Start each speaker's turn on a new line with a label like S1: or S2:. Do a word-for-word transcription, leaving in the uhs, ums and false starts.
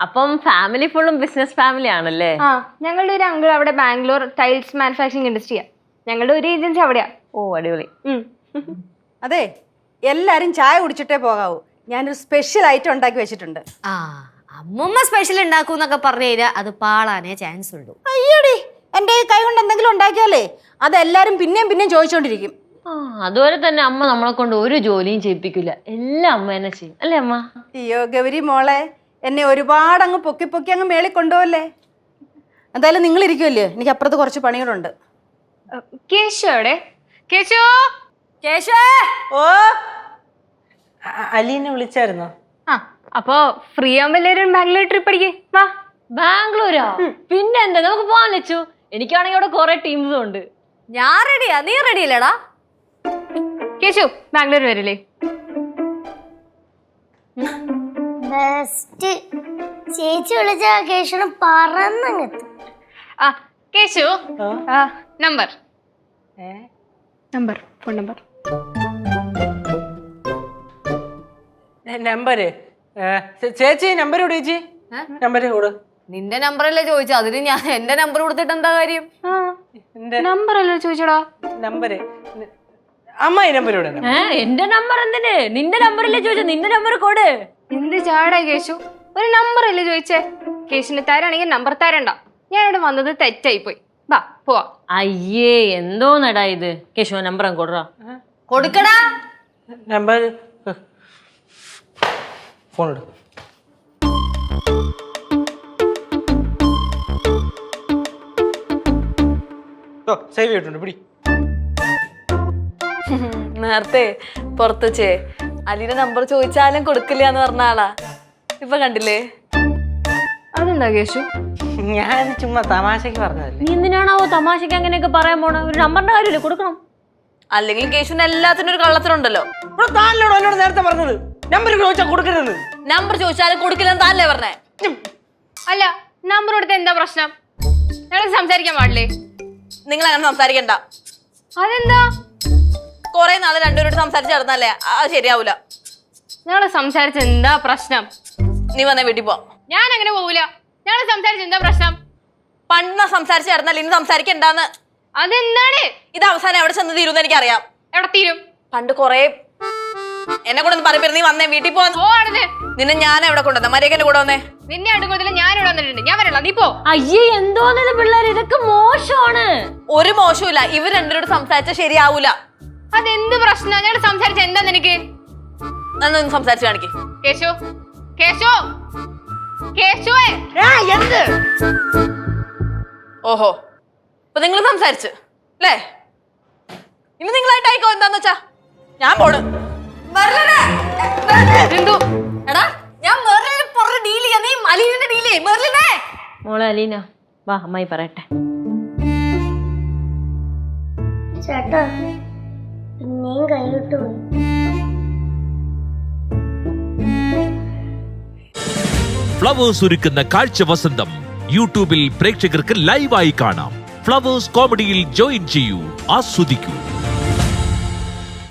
S1: അപ്പം ഫാമിലി ഫുള്ളും business family ആണല്ലേ?
S2: ആ, ഞങ്ങളുടെ ഒരു അങ്കിൾ അവിടെ ബാംഗ്ലൂർ ടൈൽസ് മാനുഫാക്ചറിങ് ഇൻഡസ്ട്രിയാ. ഞങ്ങളുടെ ഒരു ഏജൻസി അവിടെയാ.
S1: ഓ അടിപൊളി.
S3: അതെ, എല്ലാരും ചായ കുടിച്ചിട്ടേ പോകാവൂ. ഞാനൊരു സ്പെഷ്യൽ ഐറ്റം ഉണ്ടാക്കി വെച്ചിട്ടുണ്ട്.
S4: ആ, അമ്മൂമ്മ സ്പെഷ്യൽ ഉണ്ടാക്കൂന്നൊക്കെ പറഞ്ഞു കഴിഞ്ഞാൽ അത് പാളാനേ ചാൻസ് ഉള്ളൂ.
S3: അയ്യോടി, എന്റെ കൈ കൊണ്ട് എന്തെങ്കിലും ഉണ്ടാക്കിയാലേ അതെല്ലാരും പിന്നെയും പിന്നെയും ചോദിച്ചോണ്ടിരിക്കും.
S1: ആ, അതുപോലെ തന്നെ അമ്മ നമ്മളെ കൊണ്ട് ഒരു ജോലിയും ചെയ്യിപ്പിക്കില്ല, എല്ലാം അമ്മ തന്നെ ചെയ്യും അല്ലേ അമ്മ?
S3: അയ്യോ ഗൗരി മോളെ, എന്നെ ഒരുപാട് അങ്ങ് പൊക്കി പൊക്കി അങ്ങ് മേളിൽ കൊണ്ടുപോകല്ലേ. എന്തായാലും നിങ്ങൾ ഇരിക്കുമല്ലേ, എനിക്ക് അപ്പുറത്ത് കുറച്ച് പണികളുണ്ട്.
S2: കേശു എവിടെ? കേശു,
S4: കേശു,
S3: ഓ
S5: അലീനെ വിളിച്ചായിരുന്നോ?
S2: ആ, അപ്പൊ ഫ്രീ ആവുമ്പോ എല്ലാവരും ബാംഗ്ലൂർ ട്രിപ്പ് അടിക്കേ വാ.
S1: ബാംഗ്ലൂരോ? പിന്നെ എന്താ, നമുക്ക് പോവാൻ വെച്ചു. എനിക്കാണെങ്കിൽ അവിടെ കുറെ ടീംസും ഉണ്ട്.
S4: ഞാൻ റെഡിയാ, നീ റെഡി അല്ലേടാ?
S2: കേശു ബാംഗ്ലൂർ വരില്ലേ?
S6: ബെസ്റ്റ് ചേച്ചി വിളിച്ച കേശുന് പറന്നങ്ങെത്തും.
S2: ആ Keshu, number number phone number
S5: number ചേച്ചി നമ്പർ കൊടു ചേച്ചി, നമ്പർ കൊടു.
S4: നിന്റെ നമ്പറല്ലേ ചോദിച്ചു, അതിന് ഞാൻ എന്റെ നമ്പർ കൊടുത്തിട്ട് എന്താ കാര്യം?
S2: നമ്പർ അല്ലോ ചോദിച്ചോടാ.
S5: നമ്പര് അമ്മായി നമ്പർ കൊടു.
S1: ഏ എന്റെ നമ്പർ എന്തിന്? നിന്റെ നമ്പറല്ലേ ചോദിച്ചു, നിന്റെ നമ്പർ കൊടു.
S2: എന്ത് ചാടാ കേശു, ഒരു നമ്പർ അല്ലേ ചോദിച്ചേ? കേശുന് തരാണെങ്കിൽ നമ്പർ തരണ്ട. ഞാനിവിടെ വന്നത് തെറ്റായി പോയി. വാ പോവാ.
S1: അയ്യേ എന്തോന്നടാ ഇത്. കേശു നമ്പർ അങ്ങ് കൊടുറാ.
S4: കൊടുക്കടാ
S5: നമ്പർ. ഫോൺ എടു. സേവ് ചെയ്തിട്ടുണ്ട്, പിടി.
S7: നേരത്തെ പുറത്ത് വെച്ചേ അലീന്റെ നമ്പർ ചോദിച്ചാലും കൊടുക്കില്ല എന്ന് പറഞ്ഞ ആളാ. ഇപ്പൊ കണ്ടില്ലേ?
S2: അതെന്താ കേശു?
S5: ഞാൻ ചുമ്മാ തമാശക്ക് പറഞ്ഞതല്ലേ.
S1: നീ എന്തിനാണാവോ തമാശക്ക് അങ്ങനെയൊക്കെ പറയാൻ പോണ? ഒരു നമ്പറിന്റെ കാര്യമില്ലേ, കൊടുക്കണം.
S7: അല്ലെങ്കിൽ കേശുവിന് എല്ലാത്തിനും ഒരു കള്ളത്തിനുണ്ടല്ലോ.
S5: താനോട് എന്നോട് നേരത്തെ പറഞ്ഞത് നമ്പർ ചോദിച്ചാൽ കൊടുക്കരുത്.
S7: നമ്പർ ചോദിച്ചാലും കൊടുക്കില്ലെന്ന് താനല്ലേ പറഞ്ഞേ?
S2: അല്ല, നമ്പർ കൊടുത്ത എന്താ പ്രശ്നം? ഞങ്ങൾ സംസാരിക്കാൻ പാടില്ലേ?
S7: നിങ്ങൾ അങ്ങനെ സംസാരിക്കണ്ട.
S2: അതെന്താ?
S7: കൊറേ നാള് രണ്ടുപേരോട് സംസാരിച്ച് നടന്നല്ലേ, അത് ശരിയാവൂല.
S2: ഞങ്ങള് സംസാരിച്ച എന്താ പ്രശ്നം?
S7: നീ വന്നേ വീട്ടിൽ പോ.
S2: ഞാൻ അങ്ങനെ പോവൂല. ഞങ്ങള് സംസാരിച്ച എന്താ പ്രശ്നം?
S7: പണ്ട് സംസാരിച്ച് നടന്നല്ലേ, ഇനി സംസാരിക്കണ്ടാന്ന്.
S2: അതെന്താണ്?
S7: ഇത് അവസാനം എവിടെ ചെന്ന് തീരുമെന്ന് എനിക്കറിയാം.
S2: എവിടെ തീരും?
S7: പണ്ട് കൊറേ എന്നെ കൂടെ ഒന്ന് പറയപ്പെടും. നീ വന്നേ വീട്ടിൽ പോ. നിന്നെ ഞാൻ എവിടെ കൊണ്ടുവന്ന മര്യാദ കൂടെ വന്നേ.
S2: നിന്നെ അടുക്കുന്നതിൽ ഞാൻ ഇവിടെ വന്നിട്ടുണ്ട്. ഞാൻ വരല്ല, നീ പോ.
S1: അയ്യേ എന്തോന്നത് പിള്ളേർ, ഇതൊക്കെ മോശമാണ്.
S7: ഒരു മോശമില്ല, ഇവർ രണ്ടുപേരോട് സംസാരിച്ചാൽ ശരിയാവൂല.
S2: അതെന്ത് പ്രശ്നം? ഞങ്ങൾ സംസാരിച്ച എന്താ നിനക്ക്?
S7: എന്നൊന്ന് സംസാരിച്ച് കാണിക്ക്.
S2: കേശു, കേശു, കേശുവേ.
S7: ഓഹോ, ഇപ്പൊ നിങ്ങൾ സംസാരിച്ച് അല്ലേ? ഇനി നിങ്ങളായിട്ടായിക്കോ. എന്താന്ന് വെച്ചാ ഞാൻ പോണ്.
S2: എന്തോ
S4: എടാ, ഞാൻ മെർലിനെ പുറത്ത് ഡീൽ ചെയ്യാ, നീ അലീനെ ഡീൽ ചെയ്യ്. മെർലിനെ
S1: മോളെ അലീന വാ, അമ്മായി പറയട്ടെ.
S6: ചേട്ടാ പിന്നെയും കൈവിട്ടു പോയി.
S8: ഫ്ലവേഴ്സ് ഒരുക്കുന്ന കാഴ്ച വസന്തം യൂട്യൂബിൽ പ്രേക്ഷകർക്ക് ലൈവായി കാണാം. ഫ്ലവേഴ്സ് കോമഡിയിൽ ജോയിൻ ചെയ്യൂ, ആസ്വദിക്കൂ.